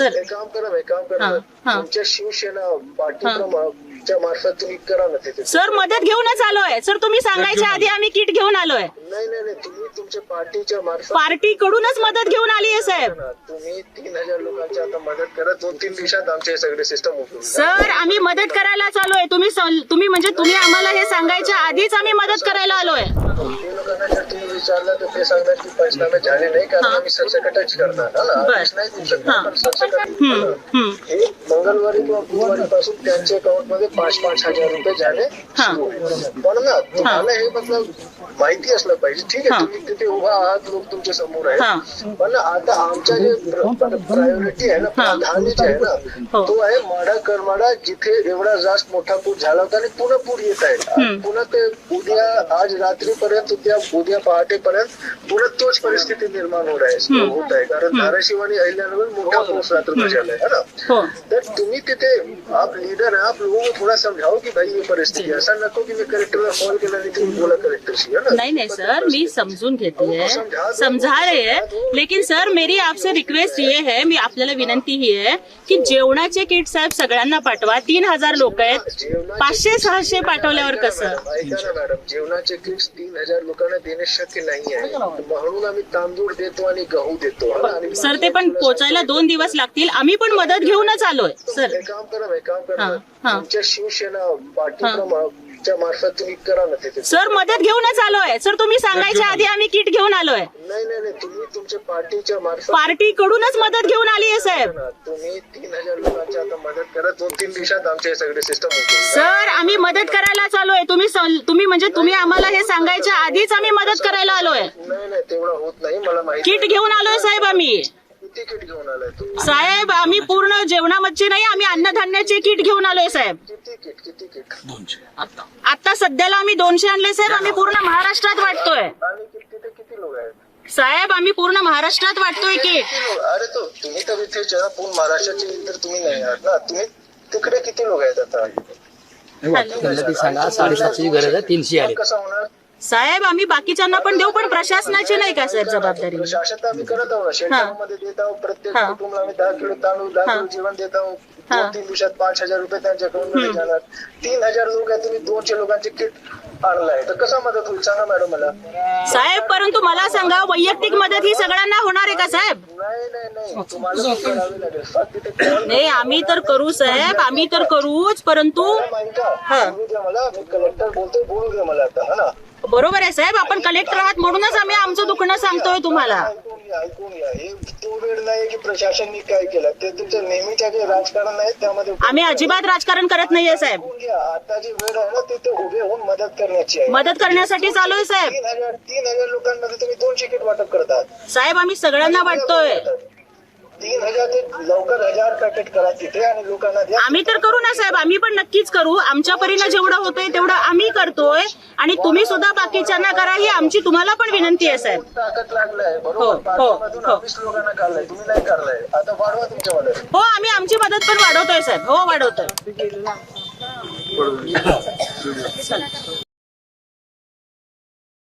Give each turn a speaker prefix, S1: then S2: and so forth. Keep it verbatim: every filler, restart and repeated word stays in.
S1: Sir
S2: एक काम करा एक काम करा तुमच्या शिवसेना पार्टीच्या मार्फत तुम्ही करा ना तिथे.
S1: सर मदत घेऊनच आलोय सर. तुम्ही सांगायच्या आधी आम्ही किट घेऊन आलोय.
S2: नाही नाही नाही तुम्ही तुमच्या पार्टीच्या मार्फत
S1: पार्टी कडूनच मदत घेऊन आली आहे साहेब.
S2: तुम्ही तीन हजार लोकांची आता मदत करा. दोन तीन दिवसात आमचे सगळे सिस्टम उठून
S1: सर आम्ही मदत करायला आलोय. तुम्ही तुम्ही म्हणजे तुम्ही आम्हाला हे सांगायच्या आधीच आम्ही मदत करायला आलोय.
S2: ते लोकांना जर तुम्ही विचारलं तर ते सांगतात की पंचनामे झाले नाही कारण आम्ही सरसकटच करणार ना आदेश नाही देऊ शकणार पण सरसकट. हे मंगळवारी किंवा बुधवारी पासून त्यांच्या अकाउंट मध्ये पाच पाच हजार रुपये झाले सुरू आहे. पण ना तुम्हाला हे मतलब माहिती असलं पाहिजे. ठीक आहे तुम्ही तिथे उभा आहात लोक तुमच्या समोर आहे पण आता आमच्या जे प्रायोरिटी आहे ना प्राधान्य जे आहे ना तो आहे माडा करमाडा जिथे एवढा जास्त मोठा पूर झाला होता आणि पुन्हा पूर येत आहे. पुन्हा ते उद्या आज रात्रीपर्यंत उद्या उद्या पहाटेपर्यंत पुन्हा तोच परिस्थिती निर्माण होत आहे होत आहे कारण धाराशिव आणि अहिल्यानगर मोठा पाऊस रात्र झाला आहे ना. तर तुम्ही तिथे आप लीडर है आप लोगों को थोड़ा समझाओ कि भाई ये परिस्थिती ऐसा नको की मी कलेक्टरला कॉल केला नाही तुम्ही बोला कलेक्टरशी है ना.
S1: नहीं नहीं सर मी समझून घेती है समझा रहे हैं लेकिन सर मेरी आपसे रिक्वेस्ट ये है मी आपल्याला विनंती ही आहे की जेवणाचे किट साहेब सगळ्यांना पाठवा. तीन हजार लोक आहेत पाचशे सहाशे पाठवल्यावर कसं.
S2: ऐका ना मॅडम जेवणाचे किट्स तीन हजार लोकांना देणे शक्य नाही आहे म्हणून आम्ही तांदूळ देतो आणि गहू देतो.
S1: सर ते पण पोचायला दोन दिवस लागतील. आम्ही पण मदत घेऊनच आलोय सर.
S2: एक काम करा एक काम करा तुमच्या शिवसेना पार्टीच्या मार्फत तुम्ही करा ना तिथे.
S1: सर मदत घेऊनच आलोय सर. तुम्ही सांगायच्या आधी आम्ही किट घेऊन आलोय.
S2: नाही नाही नाही तुम्ही तुमच्या पार्टीच्या मार्फत
S1: पार्टी कडूनच मदत घेऊन आली आहे साहेब.
S2: तुम्ही तीन हजार लोकांची आता मदत करा. दोन तीन दिवसात आमचे सगळे सिस्टम उठून
S1: सर आम्ही मदत करायला आलोय. तुम्ही तुम्ही म्हणजे तुम्ही आम्हाला हे सांगायच्या आधीच आम्ही मदत करायला आलोय.
S2: नाही नाही तेवढं होत नाही मला माहिती.
S1: किट घेऊन आलोय साहेब आम्ही.
S2: किती किट घेऊन आलाय तुम्ही
S1: साहेब आम्ही पूर्ण जेवणामध्ये नाही आम्ही अन्नधान्याचे किट घेऊन आलोय साहेब.
S2: किती किट किती किट दोनशे
S1: आता सध्याला आम्ही दोनशे आणले साहेब. आम्ही पूर्ण महाराष्ट्रात वाटतोय
S2: आणि तिथे किती लोक आहेत
S1: साहेब. आम्ही पूर्ण महाराष्ट्रात वाटतोय किट.
S2: अरे तो तुम्ही तर इथे जरा पूर्ण महाराष्ट्राचे तर तुम्ही नाही आहात ना. तुम्ही तिकडे किती लोक आहेत आता.
S3: सांगा साडेसातशेची गरज आहे तीनशे आले.
S2: कसं होणार
S1: साहेब आम्ही बाकीच्यांना पण देऊ पण प्रशासनाची नाही का साहेब जबाबदारी.
S2: प्रशासन आम्ही करत आहोत शेल्टर मध्ये देत आहोत. प्रत्येक कुटुंबाला आम्ही दहा किलो तांदूळ दहा किलो जेवण देत आहोत. दोन तीन दिवसात पाच हजार रुपये त्यांच्या अकाउंट मध्ये जाणार. तीन हजार लोक आहेत तुम्ही दोनशे लोकांचे किट आणलाय तर कसा मदत होईल सांगा मॅडम मला.
S1: साहेब परंतु मला सांगा वैयक्तिक मदत ही सगळ्यांना होणार आहे का साहेब.
S2: नाही नाही नाही तुम्हाला करावी लागेल फक्त तिथे
S1: नाही आम्ही तर करू साहेब आम्ही तर करूच परंतु
S2: बोलू द्या मला. मी कलेक्टर बोलतोय बोलू द्या मला आता. हा ना
S1: बरोबर आहे साहेब. आपण कलेक्टर आहात म्हणूनच आम्ही आमचं दुखणं सांगतोय तुम्हाला.
S2: ऐकून घ्या ऐकून घ्या हे तो वेळ नाही की प्रशासनाने काय केलं ते तुमचं नेहमीच्या जे राजकारण आहे त्यामध्ये
S1: आम्ही अजिबात राजकारण करत नाहीये साहेब.
S2: ऐकून घ्या आता जी वेळ आहे ना तिथे उभे होऊन मदत करण्याची आहे.
S1: मदत करण्यासाठी चालू आहे साहेब.
S2: तीन हजार तीन हजार लोकांमध्ये तुम्ही दोनशे किट वाटप करतात
S1: साहेब आम्ही सगळ्यांना वाटतोय.
S2: तीन हजार ते लवकर हजार पॅकेट करा तिथे आणि लोकांना द्या.
S1: आम्ही तर करू ना साहेब. आम्ही पण नक्कीच करू. आमच्या परीनं जेवढं होतंय तेवढं आम्ही करतोय आणि तुम्ही सुद्धा बाकीच्यांना करा ही आमची तुम्हाला पण विनंती आहे साहेब.
S2: ताकद लागलाय बरोबर. पाठीमधून वीस लोकांना काढलाय तुम्ही नाही काढलाय आता वाढवा तुमच्या मदत.
S1: हो आम्ही आमची मदत पण वाढवतोय साहेब. हो वाढवतोय.